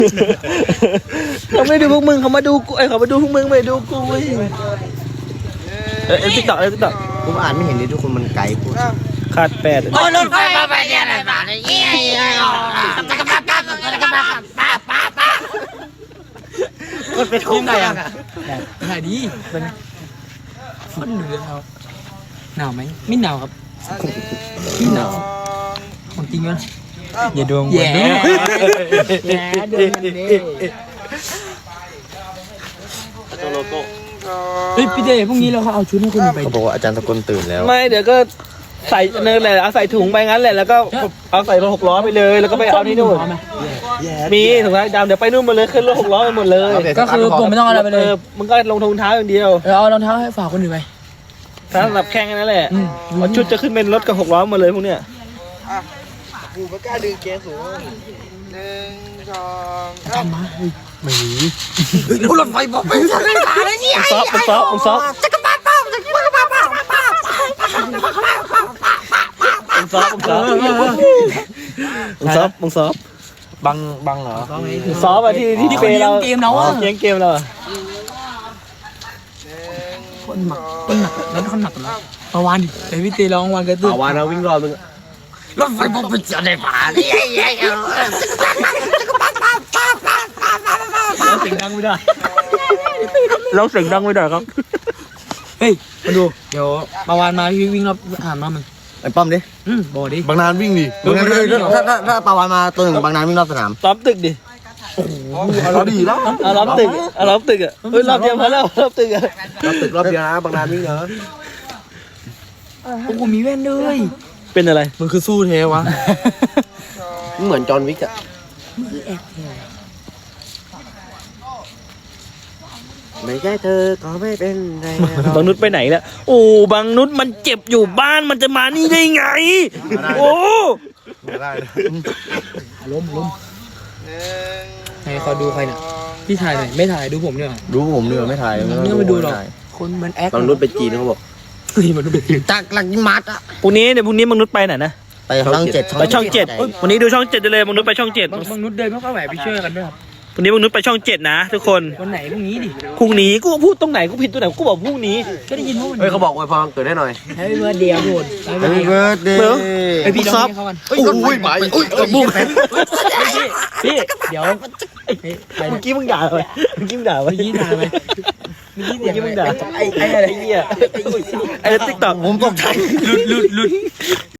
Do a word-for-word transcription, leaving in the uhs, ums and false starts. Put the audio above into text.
เขาไม่ดูพวกมึงเขามาดูกูไอ้เขามาดูพวกมึงไม่ดูกูเว้ยเออติ๊กต็อกเออติ๊กต็อกผมอ่านไม่เห็นเลยทุกคนมันไกลพูดขาดแปดโอ้รถไฟมาไปเนี่ยอะไรมาเนี่ยเยี่ยมตะกบ้าป้าตะกบ้าป้าป้าป้ามันเป็นทุ่งไงอ่ะหายดีเป็นฝนเหนือครับหนาวไหมไม่หนาวครับไม่หนาวของจริงมั้ยอย่าดวงแย่แย่ดวงมันนี่เฮ้ยพี่เดย์พรุ่งนี้เราเขาเอาชุดให้คนอื่นไปเขาบอกว่าอาจารย์ตะกลตื่นแล้วไม่เดี๋ยวก็ใส่เนินแหละเอาใส่ถุงไปงั้นแหละแล้วก็เอาใส่รถหกล้อไปเลยแล้วก็ไปเอาที่นู่นมีถุงเท้าดำเดี๋ยวไปนู่นหมดเลยขึ้นรถหกล้อไปหมดเลยก็คือผมไม่ต้องเอาอะไรไปเลยมึงก็ลงถุงเท้าอย่างเดียวเราเอารองเท้าให้ฝากคนอื่นไปถ้าสำหรับแข่งนั่นแหละเพราะชุดจะขึ้นเป็นรถกับหกล้อหมดเลยพวกเนี้ยกูไม่กล้าดึงเกสสูงหนึ่งสองทำมาไม่มีรถไฟบอกเป็นอะไรมาเลยเนี่ยซอฟซอฟซอฟตะกบ้าป้าตะกบ้าป้าป้าป้ามึงซอฟมึงซอฟมึงซอฟมึงซอฟบังบังเหรอมึงซอฟอะที่ที่เปเราเกมเราอะเกมเกมเราอะคนหนักคนหนักแล้วคนหนักแล้วประวันไอพี่เตร้องวันกระตุ้นเอาวานเราวิ่งรอบมึงรถไฟบอกเป็นอะไรมาเนี่ยเยี่ยมตะกบ้าป้าป้าป้าป้าป้าป้าเราเสียงดังไม่ได้เราเสียงดังไม่ได้ครับเฮ้ยมาดูเดี๋ยวประวันมาพี่วิ่งรอบหานมามึงไอ้ป้อมดิอืมบอกดิบางนานวิ่งดิบางนานถ้าถ้าถ้าปาวานมาตัวหนึ่งบางนานวิ่งรอบสนามล้อมตึกดิเราดีแล้วเอาล้อมตึกเอาล้อมตึกอะเฮ้ยรอบเดียวพอแล้วรอบตึกอะรอบตึกรอบเดียวนะบางนานวิ่งเหรอโอ้โหมีแว่นด้วยเป็นอะไรมันคือสู้เทวะเหมือนจอห์นวิกอะไม่ใช่เธอก็ไม่เป็นไรบางนุชไปไหนแล้วโอ้บางนุชมันเจ็บอยู่บ้านมันจะมานี่ได้ไงโอ้ไม่ได้ล้มล้มไหนขอดูใครน่ะพี่ถ่ายหน่อยไม่ถ่ายดูผมเนี่ยดูผมเนื้อไม่ถ่ายเนี่ยมาดูหรอกคนมันแอคบางรุ่นไปจีนเขาบอกเฮ้ยมันดูเป็นจากหลังมัดอ่ะพรุ่งนี้เดี๋ยวพรุ่งนี้บางนุชไปไหนนะไปช่องเจ็ดไปช่องเจ็ดวันนี้ดูช่องเจ็ดเลยบางนุชไปช่องเจ็ดบางบางนุชเดินไม่ค่อยไหวไปช่วยกันด้วยครับพรุ่งนี้บางนุชไปช่องเจ็ดนะทุกคนวันไหนพรุ่งนี้ดิพรุ่งนี้กูพูดตรงไหนกูผิดตรงไหนกูบอกพรุ่งนี้ก็ได้ยินว่าวันเฮ้ยเขาบอกไว้พอเกิดได้หน่อยให้เมื่อเดียวโดน Happy birthday ไอพี่ร้องให้เขากันโอ้ยไปอุ้ยบุ้งพี่เดี๋ยวเมื่อกี้มึงด่าเลยเมื่อกี้มึงด่าไปเมื่อกี้ถ่ายไปเมื่อกี้เมื่อกี้มึงด่าไอ้ไอ้อะไรไอ้เหี้ยไอ้ติ๊กต็อกผมตกใจหลุดหลุดหลุด